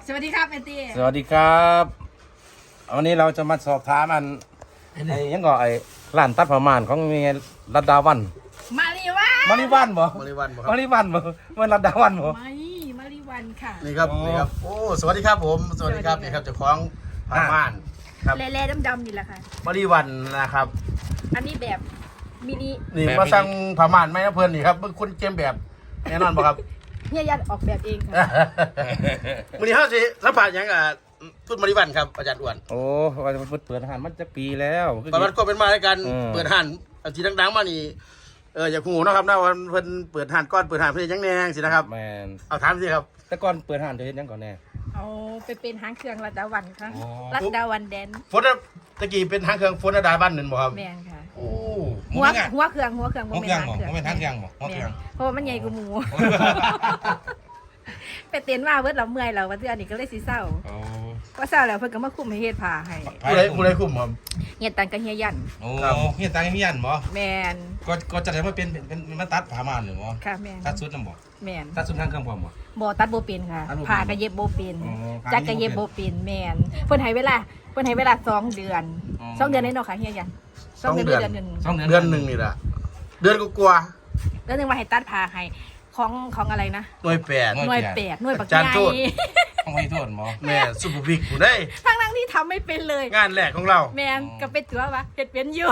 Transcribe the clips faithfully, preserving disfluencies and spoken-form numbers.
สวัสดีครับเอตี้สวัสดีครับวันนี้เราจะมาสอบถามอันไอ้ยังก็ไอ้ร้านตัดผ้าม่านของเมียรัตดาวันมาริวันมาริวันบ่มาริวันบ่ครับมาริวันบ่เมื่อรัตดาวันบ่ไม่มาริวันค่ะนี่ครับนี่ครับโอ้สวัสดีครับผมสวัสดีครับนี่ครับเจ้าของผ้าม่านครับเล่ๆดำๆนี่แหละค่ะมาริวันนะครับอันนี้แบบมินินี่มาสั่งผ้าม่านไหมนะเพื่อนนี่ครับเบิ่งคนเกมแบบแน่นอนบ่ครับเฮียยันออกแบบเองค่ะวันนี้เฮาสิสัมภาษณ์หยังอ่ะทุนมาริวันครับอาจารย์อ้วนโอ้ว่าจะเปิดอาหารมันจะปีแล้วประวัติก็เป็นมาในการเปิดห้านที่ดังๆมานี่เอออย่าหูเนาะครับนะว่าเพิ่นเปิดห้านก่อนเปิดห้านเพิ่นยังแนงสินะครับแม่นเอาถามสิครับแต่ก่อนเปิดห้านจะเฮ็ดหยังก่อนแน่เอาไปเป็นหางเครื่องรัตดาวันค่ะรัตดาวันแดนฝนตะกี้เป็นทางเครื่องฝนดาบ้านนั่นบ่ครับแม่นค่ะโอ้หัวหัวเครื่องหัวเครื่องบ่แม่นหางเครื่องบ่แม่นหางเครื่องบ่หัวเครื่องเพราะมันใหญ่กว่าหมูไปเต้นว่าเบิดเราเมื่อยเราว่าเทื่อนี้ก็เลยสิเศร้าก็เศร้าแล้วเพิ่นก็มาคุมให้เฮ็ดผ้าให้ผู้ใดผู้ใดคุมครับเฮ็ดตังกับเฮียยันโอ้เฮียตังเฮียยันบ่แม่นก็ก็จะได้มาเป็นเป็นมาตัดผ้าม่านหรือบ่ค่ะแม่นตัดชุดนำบ่แม่นตัดชุดทางเครื่องพร้อมบ่บ่ตัดบ่เป็นค่ะผ้าก็เย็บบ่เป็นจักก็เย็บบ่เป็นแม่นเพิ่นให้เวลาเพิ่นให้เวลาสองเดือนสองเดือนได้เนาะค่ะเฮียยันสองเดือนนึงเดือนนึงนี่ล่ะเดือนกว่าเดือนนึงว่าให้ตัดผ้าให้ของของอะไรนะหน่วยแปดหน่วยแปดหน่วยบักใหญ่ต้องให้โทษหมอแม่ซุปเปอร์พิกผู้ได้ทั้งนั้นที่ทำไม่เป็นเลยงานแรกของเราแม่นก็เป็นตัวว่าเฮ็ดเป็นอยู่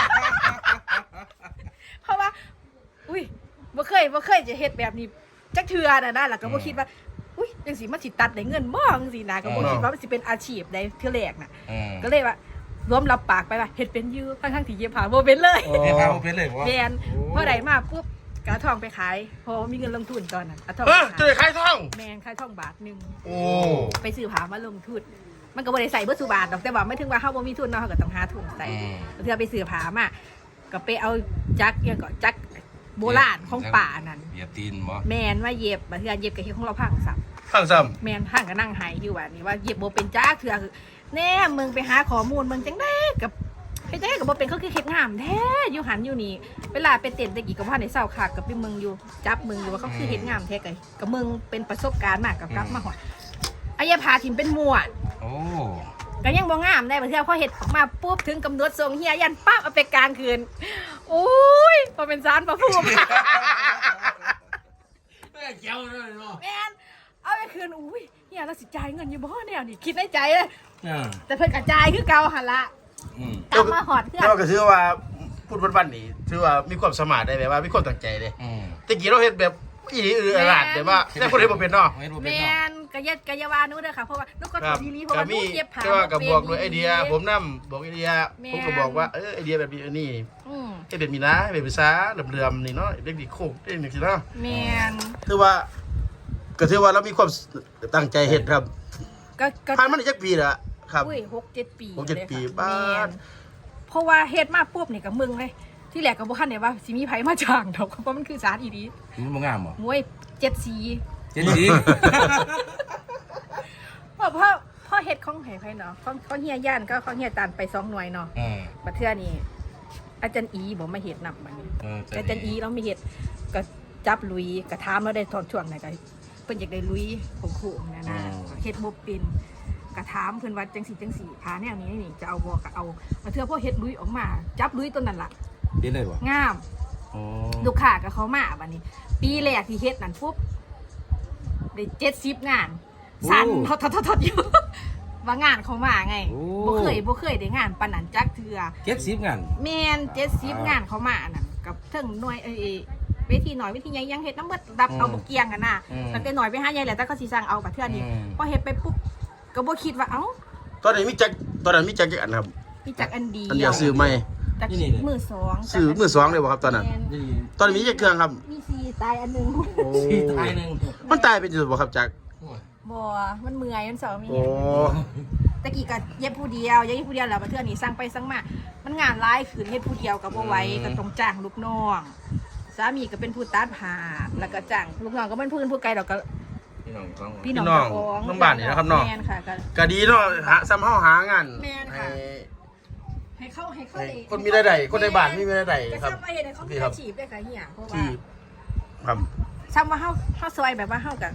เพราะว่าอุ้ยบ่เคยบ่เคยจะเฮ็ดแบบนี้จักเทื่อน่ะนะแล้วก็บ่คิดว่าอุ้ยจังสิมันสิตัดได้เงินบ่จังซี่นะก็บ่คิดว่ามันสิเป็นอาชีพได้เทื่อแรกน่ะก็เลยว่ารวมรับปากไปว่าเฮ็ดเป็นอยู่ทั้งๆที่เย็บผ้าบ่เป็นเลยเฮ็ดผ้าบ่เป็นเลยบ่แม่นพอได้มาปุ๊บกระทองไปขายพอมีเงินลงทุนตอนนั้นกระทองเออจะได้ขายทองแมนขายทองบาทหนึ่งโอ้ไปซื้อผ้ามาลงทุนมันก็บ่ได้ใส่เบอร์สุบาทดอกแต่ว่าไม่ถึงว่าเฮาบ่มีทุนเนาะเฮาก็ต้องหาทุนใส่เพื่อไปซื้อผ้ามาก็ไปเอาจักรยังก็จักรโบราณของป่านั่นเหยียบตีนบ่แมนว่าเย็บบ่เทื่อเย็บก็เฮ็ดของเราพังซ้ํพังซ้ํแมนพังก็นั่งหายอยู่ว่านี่ว่าเย็บบ่เป็นจักเทื่อคือแน่มึงไปหาข้อมูลมึงจังได๋กับเฮ็ดจังได๋ก็บ่เป็นเขาคือเฮ็ดงามแท้อยู่หันอยู่นี่เวลาไปเต้นตะกี้ก็บ่ทันได้เศร้าคักกับไปเมืองอยู่จับมึงอยู่ว่าเขาคือเฮ็ดงามแท้ก็ก็มึงเป็นประสบการณ์มากกับกลับมาฮอดอายาพาถิ่มเป็นมวดโอ้ก็ยังบ่งามได้บ่เทื่อพอเฮ็ดออกมาปุ๊บถึงกำหนดส่งเฮียยันปั๊บเอาไปกลางคืนโอ้ยบ่เป็นสารพระภูมิแม่เจ้าเลยเนาะแม่นเอาไปคืนอุ้ยเฮียเราสิจ่ายเงินอยู่บ่แนวนี่คิดในใจเลยแต่เพิ่นก็จ่ายคือเก่าหั่นล่ะกลับมาหอดเพื่อนเราก็ถือว่าพูดวันๆนี่ถือว่ามีความสามารถได้แบบว่ามีความตั้งใจเลยตะกี้เราเฮ็ดแบบอีหลีอืออลาดแต่ว่าแต่คนเฮ็ดบ่เป็นเนาะแม่นกะเย็ดกะยาวานูเด้อค่ะเพราะว่านูก็ถูกทีนี้เพราะว่านูเย็บผ้าแต่ว่าก็บอกด้วยไอเดียผมนำบอกไอเดียผมก็บอกว่าเออไอเดียแบบนี้นี่อือเฮ็ดแบบนี้นะแบบภาษาเหลื่อมๆนี่เนาะเด็กดีโคกเด็กนี่สิเนาะแม่นถือว่าก็ถือว่าเรามีความตั้งใจเฮ็ดครับก็ก็ผ่านมาได้จักปีละครับอุ้ยหกเจ็ดปีหกเจ็ดปีบ้านเพราะว่าเฮ็ดมาปุ๊บนี่กับมึงเลยที่แรกก็บ่ทันได้ว่าสิมีไผมาจ้างดอกเพราะมันคือสารอีดีมันบ่งามบ่มวยเจ็ดสีเจ็ดสีเพราะเพราะพอเฮ็ดของไผไผเนาะของของเฮียย่านก็ของเฮียตานไปสองหน่วยเนาะเออบัดเทื่อนี้อาจารย์อีบ่มาเฮ็ดนำบัดนี้เอออาจารย์อีเราไม่เฮ็ดก็จับลุยก็ถามเราได้ตอนช่วงไหนก็เพิ่นอยากได้ลุยของครูนั่นน่ะเฮ็ดบ่เป็นกระถามเพื่อนว่าจังสีจังสีพาแนวนี้นี่จะเอาบอกก็เอาเทื่อพอเฮ็ดลุยออกมาจับลุยต้นนั่นล่ะเด็ดเลยบ่งามลูกค้ากับเขามาบัดนี้ปีแรกที่เฮ็ดนั่นปุ๊บได้เจ็ดสิบงานสั่นทอดทอดทอดอยู่ว่างานเขามาไงบ่เคยบ่เคยได้งานปานนั้นจักเทื่อเจ็ดสิบงานแม่นเจ็ดสิบงานเขามานั่นกับเทิงหน่วยเอ้เวทีหน่อยเวทีใหญ่ยังเฮ็ดน้ำเบิดดับเอาบ่เกียงกันน่ะตั้งแต่หน่อยไปหาใหญ่แล้วแต่ก็สิสั่งเอาบัดเทื่อนี้พอเฮ็ดไปปุ๊บก็บ่คิดว่าเอ้าตอนนี้มีจักตอนนั้นมีจักกี่อันครับมีจักอันเดียวอันเดียวซื้อใหม่จักมือสองซื้อมือสองเลยบ่ครับตอนนั้นตอนนี้มีจักเครื่องครับมีสี่ตายอันนึงสี่ตายนึงมันตายเป็นจุดบ่ครับจักบ่มันเมื่อยมันสองมีโอ้ตะกี้ก็เย็บผู้เดียวเย็บผู้เดียวแล้วมาเทื่อนี้สั่งไปสั่งมามันงานหลายคืนเฮ็ดผู้เดียวก็บ่ไหวก็ต้องจ้างลูกน้องสามีก็เป็นผู้ตัดผ้าแล้วก็จ้างลูกน้องก็เป็นผู้อื่นผู้ไกลดอกก็พี่น้องน้องบ้านนี่นะครับน้องก็ดีเนาะหาซ้ำเฮาหางานให้ให้เขาให้เขาคนมีรายได้คนในบ้านมีรายได้ครับพี่ครับอาชีพได้ค่ะเฮียเพราะว่าครับซ้ำว่าเฮาเฮาซอยแบบว่าเฮากับ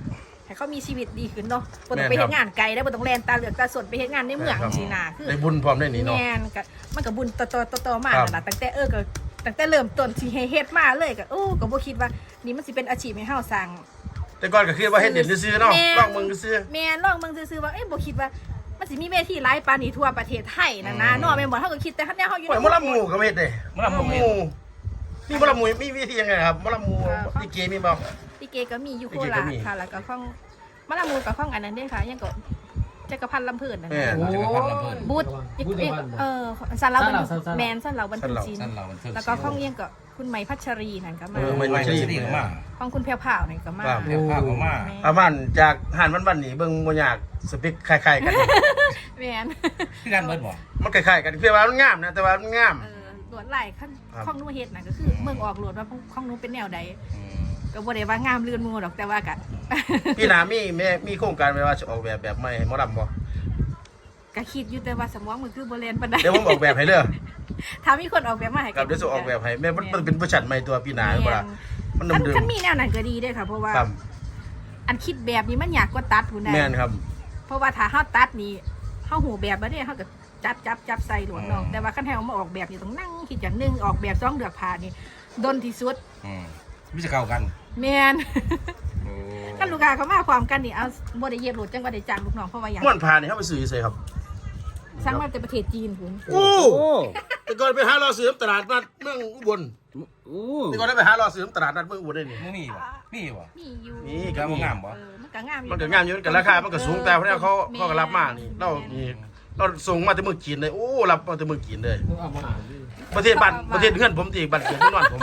ให้เขามีชีวิตดีขึ้นเนาะบ่ต้องไปเฮ็ดงานไกลได้บ่ต้องแล่นตาเหลือกตาสดไปเฮ็ดงานในเมืองสินะคือได้บุญพร้อมได้นี่เนาะแม่นก็มันก็บุญต่อๆๆๆมานั่นล่ะตั้งแต่เออก็ตั้งแต่เริ่มต้นสิให้เฮ็ดมาเลยก็โอ้ก็บ่คิดว่านี่มันสิเป็นอาชีพให้เฮาสร้างแต่ก่อนก็คิดว่าเฮ็ดเด่นซื่อๆเนาะลองมึงซื่อแม่นลองเบิ่งซื่อๆว่าเอ้ยบ่คิดว่ามันสิมีเวทีหลายปานนี้ทั่วประเทศไทยนั่นนะเนาะแม่นบ่เฮาก็คิดแต่คันแนวเฮาอยู่โอ้ยมะละหมูก็เฮ็ดเด้มะละหมูมีมะละหมูมีวิธียังไงครับมะละหมูลิเกมีบ่ลิเกก็มีอยู่โคลิเกก็ราชมีค่ะแล้วก็ของมะละมูกับของอันนั้นเด้ค่ะยังก็จักรพันธ์ลำพูนนั่นแม่นะจักรพันธ์ลำเพิ่นบูธเออสันเราเป็นแมนสันเราบรรทุกจีนสั้นเรามันเทิงแล้วก็ของเอียงก็คุณไหมพัชรีนั่นก็มาเออไม่ไม่ใช่ดีก็มาของคุณเพียวผ่าวนั่นก็มาเดี๋ยวข้าวก็มาประมาณจากหานวันๆนี่เบิ่งบ่ยากสเปคคล้ายๆกันแมนคือการเบิดบ่มันคล้ายๆกันเพียงว่ามันงามนะแต่ว่ามันงามเออหลวดไหลขั้นครับของนู้เฮ็ดน่ะก็คือเมืองออกหลวดว่าของนู้เป็นแนวใดอืมก็บ่ได้ว่างามลื่นมือดอกแต่ว่าก็พี่หนามีแม่มีโครงการไว้ว่าจะออกแบบแบบใหม่ให้หมอลำบ่ก็คิดอยู่แต่ว่าสมองมันคือบ่เรียนปานใดเดี๋ยวผมออกแบบให้เด้อถ้ามีคนออกแบบมาให้ครับเดี๋ยวจะออกแบบให้แม่มันมันเป็นผู้ชันใหม่ตัวพี่หนาบ่ล่ะมันคันเดิมคันมีแนวนั้นก็ดีเด้อค่ะเพราะว่าๆครับอันคิดแบบนี้มันยากกว่าตัดพุ่นน่ะแม่นครับเพราะว่าถ้าเฮาตัดนี่เฮาหูแบบบ่ได้เฮาก็จับจับจับใส่หลวงน้องแต่ว่าคันให้เอามาออกแบบนี่ต้องนั่งคิดอย่างหนึงออกแบบสองเดือกผ่านี่ดนที่สุดอืมมิจะเข้ากันแม่นโอ้คันลูกค้าเขามาความกันนี่เอาบ่ได้เย็บโหลดจังว่าได้จ้างลูกน้องเพราะว่าหยังม่วนพานี่เฮาไปซื้ออยู่ไสครับสั่งมาแต่ประเทศจีนพุ่นโอ้แต่ก่อนไปหารอซื้อตลาดนัดเมืองอุบลอู้แต่ก่อนได้ไปหารอซื้อตลาดนัดเมืองอุบลได้นี่มึงมีบ่มีบ่มีอยู่นี่ก็บ่งามบ่เออมันก็งามอยู่มันก็งามอยู่กันราคามันก็สูงแต่เพราะเนี่ยเขาเขาก็รับมานี่เรานี่เราส่งมาแต่เมืองจีนเลยโอ้รับมาแต่เมืองจีนเลยเอามาอ่านดิประเทศบ้านประเทศเพื่อนผมตีบ้านเกิดที่นอนผม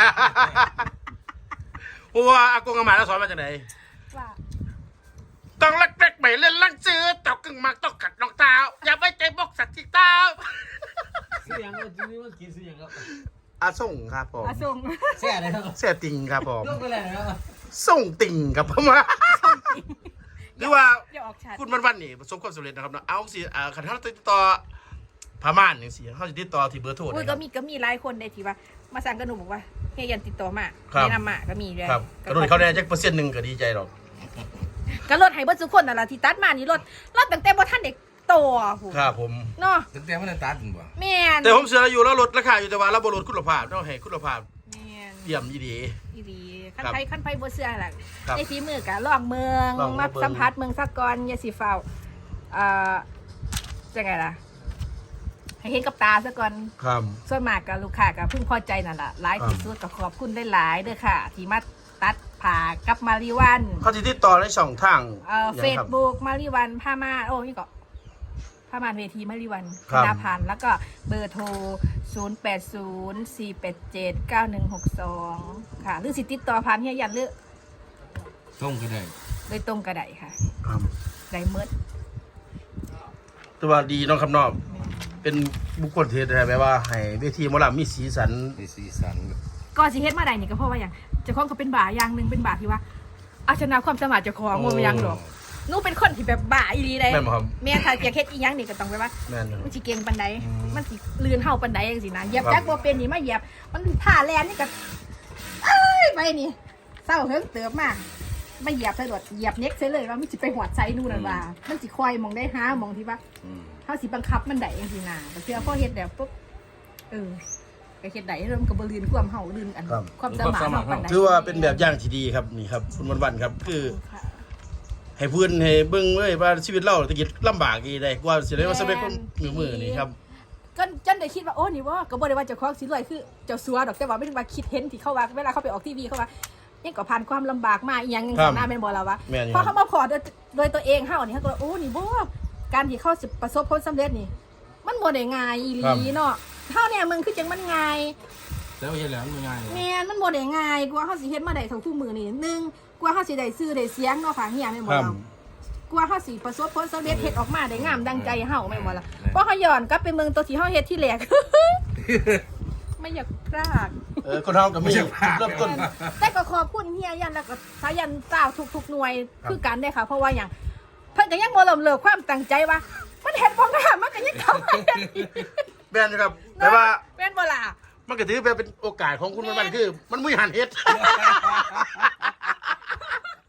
เพราะว่าอากงอาม่าเราสอนมาจากไหนว่าต้องเล็กๆไปเล่นลังซื้อตอกกึ่งมากต้องกัดรองเท้าอย่าไว้ใจบอกสัตว์ที่เท้าซื้อยังก็ทีนี้มันกินซื้อยังก็อาส่งครับผมอาส่งแซ่เลยครับเสียติงครับผมยกไปเลยครับส่งติงครับผมหรือว่าอย่าออกชัดคุณวันวันๆนี่ประสบความสำเร็จนะครับเนาะเอาสิอ่าขันท่านติดต่อพม่านอย่างสิเขาจะติดต่อที่เบอร์โทรอุ้ยนะคก็รับมีก็มีหลายคนได้ที่ว่ามาสั่งกับหนูบอกว่าเฮียยันติดต่อมาครับแนะนำมาก็มีเลยครับกระโดดเขาได้จักเปอร์เซ็นต์หนึ่งก็ดีใจหรอกก็ลดให้เบิดทุกคนนั่นล่ะที่ตัดมานี่ลดลดตั้งแต่บ่ทันเด็กโตอ่ะหูครับผมเนาะตั้งแต่มันตัดบ่แม่นแต่ผมเสืออยู่แล้วลดราคาอยู่แต่ว่าเราบลดคุณภาพต้องให้คุณภาพแม่นเยี่ยมดีดีอีหลีคันครับไผคันไผบ่เชื่อล่ะครับในฝีมือก็ลองเมืองลองเมืมาองสัมผัสเมืองสักก่อนอย่าสิฟ้าวเอ่อจังไงล่ะให้เห็นกับตาซะก่อนครับส่วนมากก็ลูกค้าก็พึงพอใจนั่นล่ะหลายที่สุดก็ขอบคุณหลายๆเด้อค่ะ ที่มาตัดผ่ากับมาริวันเขาจะติดต่อในช่องทางเอ่อหเฟยังซครับบุ๊กมาริวันผ้าม่านโอ้นี่ก็ผ้าม่านเวทีมาริวันครับนาพันธ์แล้วก็เบอร์โทร ศูนย์ แปด ศูนย์ สี่ แปด เจ็ด เก้า หนึ่ง หก สอง ค่ะ หรือสิติดต่อผ่านเฮียยันหรือส่งก็ได้โดยตรงกระไดค่ะครับไดเมิดแต่ว่าดีเน้องคำนอบเป็นบุคคลที่ได้แบบว่าให้เวทีหมอลำมีสีสันมีสีสันก็สิเฮ็ดมาได้นี่ก็เพราะว่าอย่างเจ้าของก็เป็นบ่าอย่างหนึ่งเป็นบ่าที่ว่าเอาชนะความสามารถเจ้าของมันบ่อยังหรอกหนูเป็นคนที่แบบบ่าอีหลีเลยแม่นบ่ครับแม่ถ้าอยากเฮ็ดอีหยังนี่ก็ต้องไปว่าแม่นอยู่มันสิเก่งปานใดอืมมันสิลื่นเฮาปานใดจังซี่นะเหยียบครับจักบ่เป็นนี่มาเหยียบ มันท่าแลนนี่ก็เอ้ยไปนี่เศร้าเฮิงเติบมากมาเหยียบใส่รถเหยียบเน็กใส่เลยว่ามันสิไปหอดใส่นู่นนั่นว่า มันสิคอยมองได้หามองที่ว่าอืมเฮาสิบังคับมันได้จังซี่นะแต่เชื่อพอเฮ็ดแล้วปุ๊บเออก็เฮ็ดได้เริ่มนก็บ่ลื่นความเฮาลื่นอันครับความสามารถเฮาปานใดถือว่าเป็นแบบอย่างที่ดีครับนี่ครับคุณวันวันๆครับ คือค่ะให้เพื่อนให้เบิ่งเลยว่าชีวิตเราตะกี้ลำบากอีได้กว่าสิได้ว่าสำเร็จคนมือมือนี่ครับจนจนได้คิดว่าโอ้นี่ว่าก็บ่ได้ว่าเจ้าของสิรวยคือเจ้าสัวดอกแต่ว่าไม่ได้ว่าคิดเห็นที่เขาว่าเวลาเขาไปออกทีวีเขาว่ายังก็ผ่านความลำบากมาอีหยังจังครัซั่บนนะแม่นบ่ล่ะวะแม่นอยู่พอเขามาพอโดยโดยตัวเองเฮานี่เขาก็ว่าโอ้นี่บ่การที่เขาสิประสบผลสำเร็จนี่ มันบ่ได้ง่ายอีหครับลีเนาะเฮาเนี่ยมึงคือจังมันง่ายแล้วเห็นแล้วมันง่ายแม่นมันบ่ได้ง่ายกว่าเฮาสิเฮ็ดมาได้เท่าทุกมื้อนี่หนึ่งกว่าเฮาสิได้ซื้อได้เสียงเนาะค่ะเฮียแม่นบ่ครับล่ะกว่าเฮาสิประสบผลสำเร็จเฮ็ดออกมาได้งามดังใจเฮาแม่นบ่ล่ะเพราะเฮาย้อนกลับไปเมืองตัวที่เฮาเฮ็ดที่แรก ไม่อยากพลาดเออคนเฮาก็มีจุดเริ่มต้นแต่ก็ขอบคุณเฮียยันแล้วก็สายันเจ้าทุกๆหน่วยคือกันได้ค่ะ เพราะว่าอย่างเพิ่นก็ยังบ่เริ่มเลิกความตั้งใจว่ามันเฮ็ดบ่งามมันก็ยังเข้ามาเฮ็ดอีกแม่นอยู่ครับแต่ว่าแม่นบ่ล่ะมันก็ถือเป็นโอกาสของคุณวันวันๆคือ มันมุ้ยหันเฮ็ด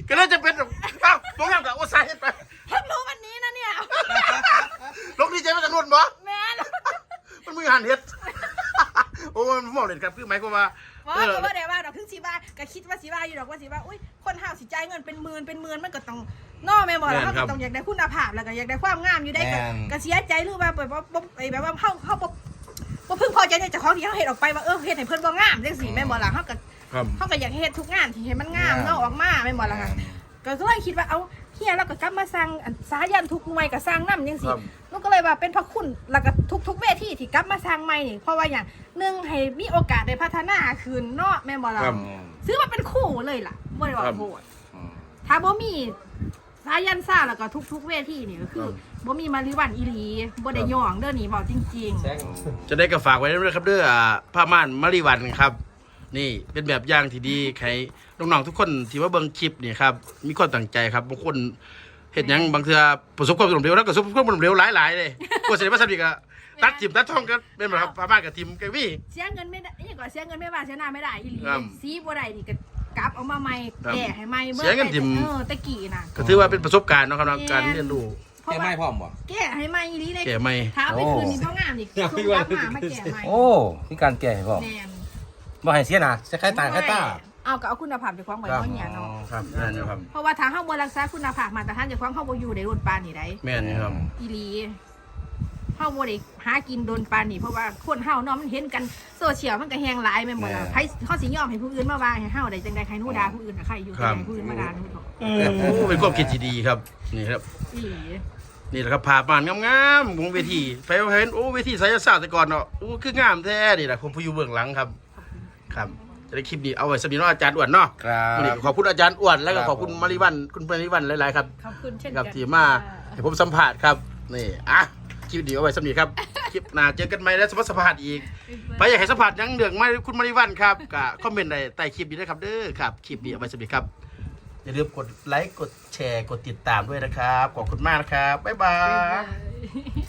ก็เลยจะเป็นแบบอ้าวพวกนั้นกับโอ้ใส่ไปเพิ่งรู้วันนี้นะเนี่ยลกดีใจมาจากนู่นบ่แม่นมันมือหันเฮ็ดโอ้มันมองเลยครับคือหมายความว่าว่าก็ว่าได้ว่าดอกถึงสิว่าก็คิดว่าสิว่าอยู่ดอกว่าสิว่าอุ้ยคนห้าวสิจ่ายเงินเป็นหมื่นเป็นหมื่นมันก็ต้องนอแม่บ่ล่ะเฮาก็ต้องอยากได้คุณภาพแล้วก็อยากได้ความงามอยู่ได้ก็ก็เสียใจหรือว่าแบบว่าบ่ไอ้แบบว่าเฮาเฮาบ่บ่พึงพอใจในเจ้าของที่เฮาเฮ็ดออกไปว่าเออเฮ็ดให้เพิ่นบ่งามจังซี่แม่นบ่ล่ะเฮาก็ครับเฮาก็อยากเฮ็ดทุกงานที่ให้มันงามเนาะออกมาแม่นบ่ล่ะค่ะก็เลยคิดว่าเอาเฮียเราก็กลับมาสร้างอันสายันทุกหน่วยก็สร้างนำจังซี่หนูก็เลยว่าเป็นพระคุณแล้วก็ทุกๆเวทีที่กลับมาสร้างใหม่นี่เพราะว่าอย่างหนึ่งให้มีโอกาสได้พัฒนาขึ้นเนาะแม่นบ่ล่ะครับซื้อมาเป็นคู่เลยล่ะบ่ได้ว่าโหดถ้าบ่มีสายันซ่าแล้วก็ทุกๆเวทีนี่ก็คือบ่มีมาริวันอีหลีบ่ได้ย่องเด้อนี่เว้าจริงแซงจะได้ก็ฝากไว้ด้วยครับเด้ออ่าผ้าม่านมาริวันครับ นี่เป็นแบบอย่างที่ดีใครน้องๆทุกคนที่ว่าเบิ่งคลิปนี่ครับมีความตั้งใจครับบางคนเฮ็ดหยังบางเทื่อประสบความสำเร็จแล้วก็ประสบความสำเร็จหลายๆเลยกว่าสิได้มาสำเร็จก็ตัดจิมตัดทองก็เป็นแบบครับผ้าม่านกับทีมก็มีๆเสียเงินไม่ได้อีหยังก็เสียเงินไม่ว่าเสียหน้าไม่ได้อีหลีครับซีบ่ได้นี่ก็กลับเอามาใหม่ครับแก้ให้ใหม่เสียเงินทิ่มเออตะกี้น่ะก็ถือว่าเป็นประสบการณ์เนาะครับเนาะการเรียนรู้เพราะแกว่าไม่พร้อมบ่แก้ให้ใหม่อีหลีได้แก่ใหม่ถ้าเอาไปคืนนี่บ่งามนี่คือกลับมามาแก้ใหม่โอ้มีการแก่ให้พ่อแม่นบ่ให้เสียหนะจะคล้ายตาคล้ายตาเอาก็เอาคุณภาพไปคว้างไว้ครับเพราะเนี่ยเนาะครับแม่นอยู่ครับเพราะว่าถ้าเฮาบ่รักษาคุณภาพมาตรฐานเจ้าของเฮาบ่อยู่ในรุ่นปานนี่ได้แม่นอยู่ครับอีหลีเฮาบ่ได้หากินโดนปานนี่เพราะว่าคนเฮาเนาะมันเห็นกันโซเชียลมันก็แฮงหลายแม่นบ่ล่ะใครเฮาสิยอมให้ผู้อื่นมาว่าให้เฮาได้จังได๋ใครหนูด่าผู้อื่นน่ะใครอยู่ครัจับงได๋ผู้อื่นมาด่าหนูเถอะโอ้เป็นความคิดที่ดีครับนี่ครับอีหลีนี่แหละครับผ่าม่านงามๆของเวทีไปเห็นโอ้เวทีไสยศาสตร์แต่ก่อนเนาะโอ้คืองามแท้นี่แหละผมผู้อยู่เบื้องหลังครับ ครับจะได้คลิปนี้เอาไว้สำหรับอาจารย์อ้วนเนาะครับวันนี้ขอบคุณอาจารย์อ้วนแล้วก็ครับขอบคุณมาริวันคุณมาริวันหลายๆครับขอบคุณเช่นกับกันที่มาให้ผมสัมภาษณ์ครับนี่อ่ะคลิปนี้เอาไว้สำหรับครับ คลิปหน้าเจอกันใหม่แล้วสมมติสัมภาษณ์อีกไปอยากให้สัมภาษณ์หยังเรื่องมาคุณมาริวันครับก็คอมเมนต์ในใต้คลิปนี้นะครับเด้อครับคลิปนี้เอาไว้สำหรับครับอย่าลืมกดไลค์กดแชร์กดติดตามด้วยนะครับขอบคุณมากนะครับบ๊ายบาบ๊ายยบาย